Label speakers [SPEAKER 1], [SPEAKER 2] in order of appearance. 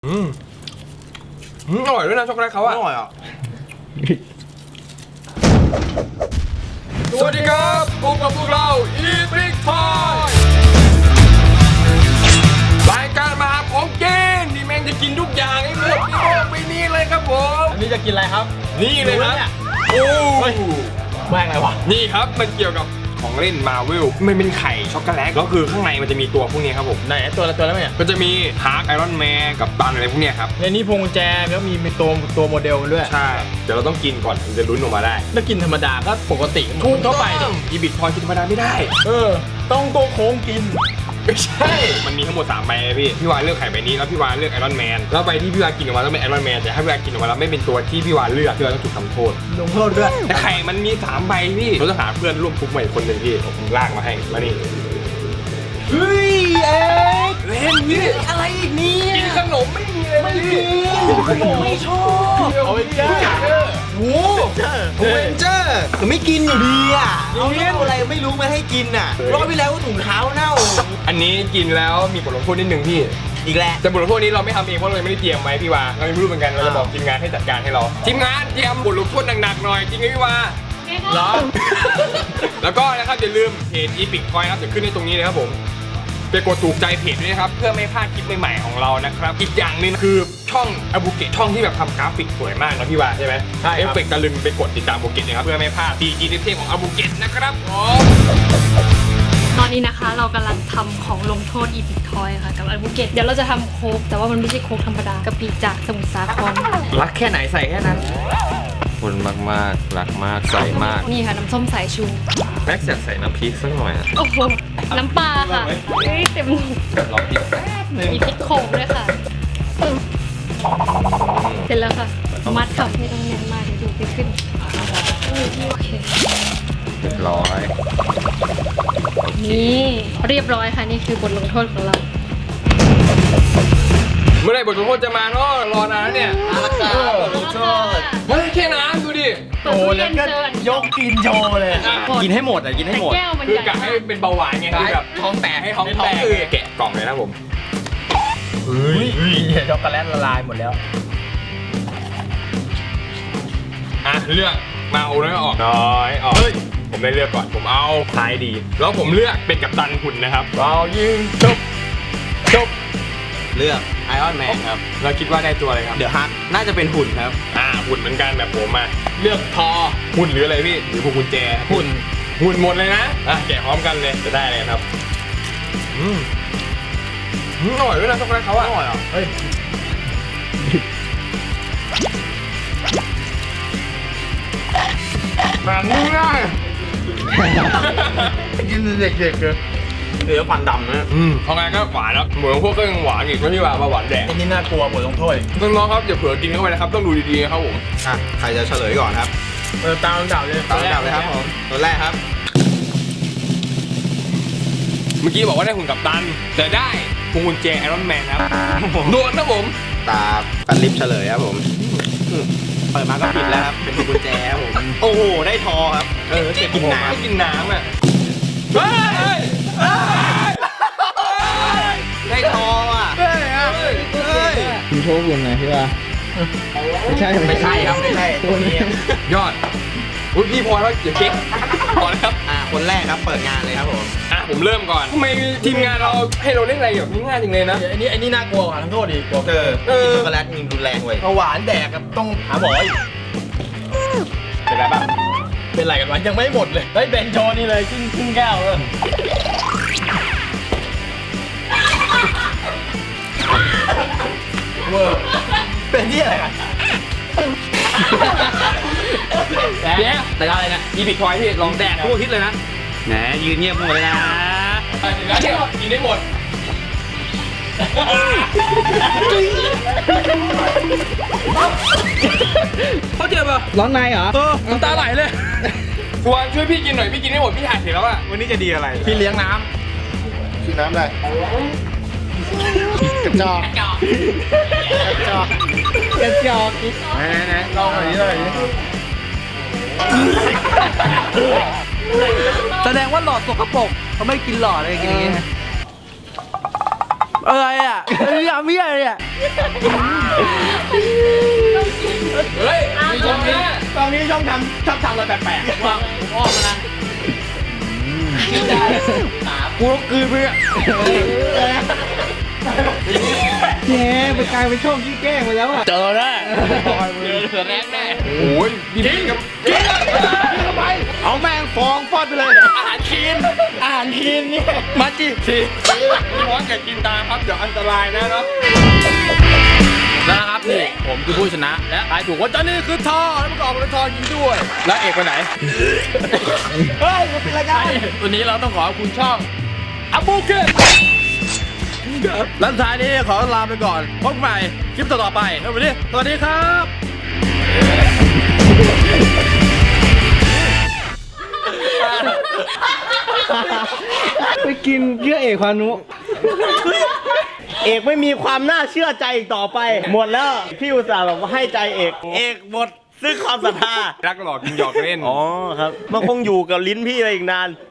[SPEAKER 1] อร่อยด้วยนะช็อกโกแลตเขาอะอร่อยอ่ะสวัสดีครับพบกับพวกเรา Eat Big Toy รายการมาหาของกินที่แม่งจะกินทุกอย่างให้หมดในโลกใบนี้เลยครับผม
[SPEAKER 2] อันนี้จะกินอะไรครับ
[SPEAKER 1] นี่เลยครับโอ้
[SPEAKER 2] แม่งอะไรวะ
[SPEAKER 1] นี่ครับมันเกี่ยวกับของเล่นมาเวลมันเป็นไข่ช็อกโกแลตแล้วคือข้างในมันจะมีตัวพวกนี้ครับผม
[SPEAKER 2] ไหนตัวแล้วเนี่ย
[SPEAKER 1] ก็จะมีฮาร์กไอรอนแมนกับตันอะไรพวกเนี้ยครับ
[SPEAKER 2] ในนี้พวงกุญแจแล้วมีตัวโมเดลมันด้วย
[SPEAKER 1] ใช่เดี๋ยวเราต้องกินก่อนถึงจะลุ้นออกมาได้
[SPEAKER 2] ถ้ากินธรรมดาก็ปกติทั่วไปดิ
[SPEAKER 1] อีบิททอยกินธรรมดาไม่ได้
[SPEAKER 2] ต้องตัวโค้งกิน
[SPEAKER 1] ไม่ใช่ มันมีทั้งหมด3ใบเลยพี่วานเลือกไข่ใบนี้แล้วพี่วานเลือกไอรอนแมนแล้วใบที่พี่วานกินออกมาต้องเป็นไอรอนแมนแต่ถ้าพี่วานกินออกมาแล้วไม่เป็นตัวที่พี่วานเลือกพี่วานต้องถูกทำโทษ
[SPEAKER 2] ลงโทษด้วย
[SPEAKER 1] แต่ไข่มันมี3ใบพี่เราจะหาเพื่อนร่วมทุกข์ใหม่คนหนึ่งพี่ผมลากมาให้มานี่
[SPEAKER 2] เฮ้ยเอ็ก
[SPEAKER 1] เล่นพี่
[SPEAKER 2] อะไรอีกเนี่ย
[SPEAKER 1] กินขนมไม่มีเลยไม่มี
[SPEAKER 2] ไม่ชอบเอาไปจ้าโอ้เวนเจอร์ไม่กินอยู่ดีอ่ะเอาอะไรไม่รู้มาให้กินอ่ะรอบที่แล้วก็ถุงเท้าเน่า
[SPEAKER 1] อันนี้กินแล้วมีบทลงโทษนิดนึงพี่
[SPEAKER 2] อีกแล้ว
[SPEAKER 1] แต่บทลงโทษนี้เราไม่ทำเองเพราะเราไม่ได้เตรียมไว้พี่วาเราไม่รู้เหมือนกันเราจะบอกทีมงานให้จัดการให้เราทีมงานเตรียมบทลงโทษหนักๆหน่อยจริงไหมพี่วา
[SPEAKER 2] เหรอ
[SPEAKER 1] แล้วก็นะครับอย่าลืมเพจ Epic Toy ครับจะขึ้นในตรงนี้เลยครับผมไปกดถูกใจเพจด้วยนะครับเพื่อไม่พลาดคลิปใหม่ๆของเรานะครับอีกอย่างหนึงคือช่องอบูเกตช่องที่แบบทำกราฟิกสวยมากนะพี่วาใช่ไหม
[SPEAKER 2] ใช่ครับ
[SPEAKER 1] เอฟเฟกต์ตะลึงไปกดติดตามอบูเกตนะครับเพื่อไม่พลาดดีเทพของอบูเกตนะครับผม
[SPEAKER 3] ตอนนี้นะคะเรากำลังทำของลงโทษอีพิกทอยค่ะกับอัลบุเกตเดี๋ยวเราจะทำโค้กแต่ว่ามันไม่ใช่โค้กธรรมดากะปิจากสมุทรสาคร
[SPEAKER 1] รักแค่ไหนใส่แค่นั้นคนมากๆรักมากใส่มาก
[SPEAKER 3] นี่ค่ะน้ำส้มสายชู
[SPEAKER 1] แม็กซ์อยากใส่น้ำพริกสักหน่อยอะ
[SPEAKER 3] โอ้โหน้ำปลาค่ะเฮ้ยเต็ม
[SPEAKER 1] ลองพริก
[SPEAKER 3] มีพริกโขงด้วยค่ะเสร็จแล้วค่ะมัดค่ะไม่ต้องแน่นมากเดี๋ยวดูไปขึ้นโอเค
[SPEAKER 1] เรียบร้อย
[SPEAKER 3] นี่เรียบร้อยค่ะนี่คือบทลงโทษของเรา
[SPEAKER 1] เมื่อไหร่บทลงโทษจะมาเนาะรอนานแล้วเนี่ย
[SPEAKER 2] ลงโทษ
[SPEAKER 1] เฮ้ยแค่น้ำดูดิ
[SPEAKER 3] เปิดตู้เย็นเจอย
[SPEAKER 2] กกินโชว์เลย กินให้หมดอ่ะกินให้
[SPEAKER 3] แต่
[SPEAKER 2] หมด
[SPEAKER 3] แก้วมัน
[SPEAKER 1] คือ
[SPEAKER 3] ใหญ่
[SPEAKER 1] กะให้เป็นเบาหวานไงคือแบบท้องแตกให้ท้องแตกแกะกล่องเลยนะผม
[SPEAKER 2] เฮ้ยช็อกโกแลตละลายหมดแล้ว
[SPEAKER 1] อ่ะเลือกมาเอาแล้วออกน้อยออกเฮ้ยผมได้เลือกก่อนผมเอาท้ายดี แล้วผมเลือกเป็นกัปตันหุ่นนะครับเรายิงจบ
[SPEAKER 4] เลือกไอออนแมนครับ
[SPEAKER 1] เราคิดว่าได้ตัวอะไรครับ
[SPEAKER 4] เดี๋ยวฮักน่าจะเป็นหุ่นครับ
[SPEAKER 1] หุ่นเหมือนกันแบบผมมาเลือกทอหุ่นหรืออะไรพี่หรือพวงกุญแจ
[SPEAKER 2] หุ่น
[SPEAKER 1] หมดเลยนะแกะพร้อมกันเลยจะได้เลยครับอร่อยด้วยนะช็อกโกแลตเขาอะอร่อยอ่ะ
[SPEAKER 2] เฮ้ย
[SPEAKER 1] มันง่าย
[SPEAKER 2] กินเด็กๆเลย
[SPEAKER 4] เนื้อฟันดำนะ
[SPEAKER 1] เอาไงก็หวานแล้วเหมือนพวกก็ยังหวานอีกไม่ใช่ว่าหวานแดง
[SPEAKER 2] อันนี้น่ากลัวบทลงโทษ
[SPEAKER 1] น้องๆครับอย่าเผลอกินเข้าไปนะครับต้องดูดีๆนะครับผม
[SPEAKER 4] อ่ะ ใครจะเฉลยก่อนครับ
[SPEAKER 2] ตามลำดับเลย
[SPEAKER 4] ตามลำดับเลยครับผม ตัวแรกครับ
[SPEAKER 1] เมื่อกี้บอกว่าได้หุ่นกัปตันแต่ได้พวงกุญแจไอรอนแมนครับโดนนะผม
[SPEAKER 4] ตาปันลิปเฉลยครับผมเปิดมาก็ผิดแล้วครับ เป็นกุญแจครับผม โอ้โห ได้ทอครับ เก็บกินน้
[SPEAKER 1] ไม่กินน้ำอ่ะเฮ้ย
[SPEAKER 4] ำได้ทออ่ะ เฮ้ย
[SPEAKER 2] คุณโชว์คุณไงพี่ว่าไม่ใช่ครับ ไม่ใช่ตัวนี้
[SPEAKER 1] ยอดอุ้ยพี่พอแล้วอย่าเก๊กพอแล้วครับ
[SPEAKER 4] คนแรกครับ เปิดงานเลยครับผม
[SPEAKER 1] ผมเริ่มก่อนทำไมทีมงานเราให้เราเล่นอะไรแบบง่ายๆจังเลยนะ
[SPEAKER 2] อันนี้น่ากลัวกว่าทั้งโทษดีกว่า
[SPEAKER 4] กินช็อกโกแลตยิงรุนแรงเว้ย
[SPEAKER 2] หวานแดกกับต้องหาหมออีก
[SPEAKER 1] เป็นไรบ้าง
[SPEAKER 2] เป็นไรกันวะยังไม่หมดเลยเฮ้ยเบนโชว์นี่เลยครึ่งแก้วเลยเวอร์เป็นที่อะไรกัน
[SPEAKER 1] เนี่ยแต่อะไรนะอีพิกทอยที่ลองแดกทั่วทิศเลยนะ
[SPEAKER 4] แหมยืนเงียบหมดเลยนะ
[SPEAKER 1] ถึงแล้วเนี่ยกินได้หมดเขาเจ็บอ่ะ
[SPEAKER 2] ร้อนในเหรอ
[SPEAKER 1] น้ำตาไหลเลยชวนช่วยพี่กินหน่อยพี่กินได้หมดพี่ถ่ายเสร็จแล้วอ่ะ
[SPEAKER 4] วันนี้จะดีอะไร
[SPEAKER 2] พี่เลี้ยงน้
[SPEAKER 4] กินน้ำอะไรกระจอกกระจอก
[SPEAKER 2] ำกระจอกไหนลองหน่อยเลย
[SPEAKER 5] แสดงว่าหลอดสกปรกเขาไม่กินหลอดอะไรอย่างเงี้ย
[SPEAKER 2] อะไรอ่ะยำเมี่ยเลยอ่ะ
[SPEAKER 1] เฮ้ยมีชมนะ
[SPEAKER 4] ตอนนี้ชอบทำอะไรแปลกๆว่างอ้อมมานะ
[SPEAKER 2] กูต้องกลืนไปอ่ะแหมไปกลายเป็นช่องที่แกล้งไปแล้วอ่ะ
[SPEAKER 4] เจอแน่
[SPEAKER 1] เจอแรกแน่โอ้ยกินกับกิน
[SPEAKER 4] เข้าไปเอาแมงฟองฟอดไปเลยอาหารคีนเนี่ยมาจิ
[SPEAKER 1] ทีร้อนอย่ากินตามครับเดี๋ยวอันตรายนะเนาะ
[SPEAKER 4] นะครับนี่ผมคือผู้ชนะและทายถูกว่าเจ้านี่คือทอแล้วมันก็ออกเป็นทอยิงด้วย แล้วเอกไปไหน
[SPEAKER 2] เฮ้ยมันเป็นรายการ
[SPEAKER 4] วันนี้เราต้องขอบคุณช่องอาบูเกตและสุดท้ายนี้ขอลาไปก่อนพบกันใหม่คลิปต่อๆไปแล้ววันนี้สวัสดีครับ
[SPEAKER 2] ไปกินเชื่อเอกพานุ
[SPEAKER 5] เอกไม่มีความน่าเชื่อใจอีกต่อไป หมดแล้วพี่อุตส่าห์แบบว่าให้ใจเอกหมดซึ่งความศรัทธา
[SPEAKER 1] รักหลอกกินหยอกเล่น
[SPEAKER 5] อ๋อครับมันคงอยู่กับลิ้นพี่ไปอีกนาน